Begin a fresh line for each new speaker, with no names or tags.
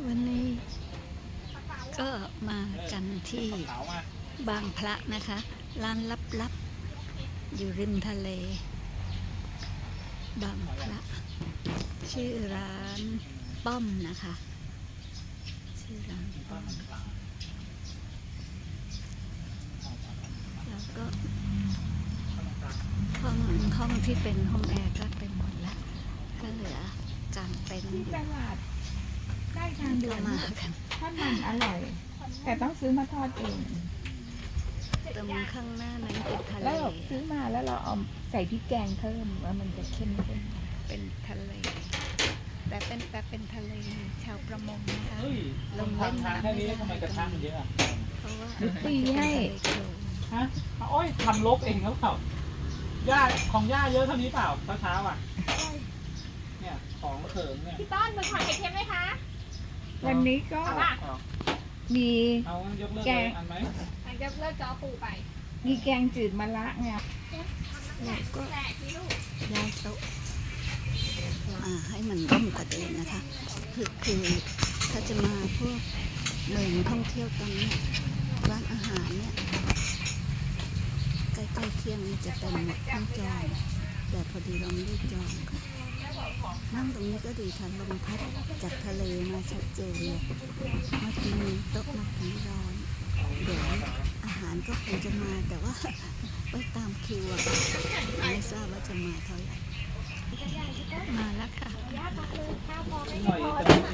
วันนี้ก็มากันที่บางพระนะคะร้านลับๆอยู่ริมทะเลบางพระชื่อร้านป้อมนะคะชื่อร้านป้อมแล้วก็ห้องที่เป็นห้องแอร์ก็เต็มหมดแล้วก็เหลือกางเต็นท์
ที่ตลาดใกล้ทางด่วน
มากัน
ทอดมันอร่อย แต่ต้องซื้อมาทอดเอง
ตรงข้างหน้านั้นเป็นทะเล
แล้วเราซื้อมาแล้วเราเอาใส่พริกแกงเพิ่มว่ามันจะเข้มขึ้น
เป็นทะเลแต่เป็นทะเลชาวประมงนะคะ
เฮ้ยลงทางแค่นี้ทำไมกระทะมันเยอะอ่ะ
เพราะว่า
ตีให้
ฮะโอ้ยทำลกเองเขาเปล่าหญ้าของหญ้าเยอะเท่านี้เปล่าเช้าๆอ่ะเนี่ยของเขิงเนี่ย
พี่ต้นมือถอยไข่เค็มไหมคะ
วันนี้ก็
เอาป่ะ
มี
เอายกเลิกเลยอันไหม
มันจะเลิกจอปูไป
มีแกงจืดมะระไง
เราก็
แหลกพี่ลูก
ย้ายโต๊ะให้มันร่มกว่าเดิมนะคะคือถ้าจะมาพวกเมืองท่องเที่ยวตรงนี้ร้านอาหารเนี่ยใกล้ๆเที่ยงนี่จะเต็มหมดทั้งจองแต่พอดีเราไม่ได้จองค่ะนั่งตรงนี้ก็ดีค่ะลมพัดจากทะเลมาชัดเจนเลยเมื่อกี้มีโต๊ะมาถึงร้อนเดี๋ยวอาหารก็คงจะมาแต่ว่าไปตามคิวอะค่ะไม่ทราบว่าจะมาเท่าไหร่มาแล้วค่ะ
ย่าตักเลยข้าวพอไม่
หน่อย
พอ
จะไม่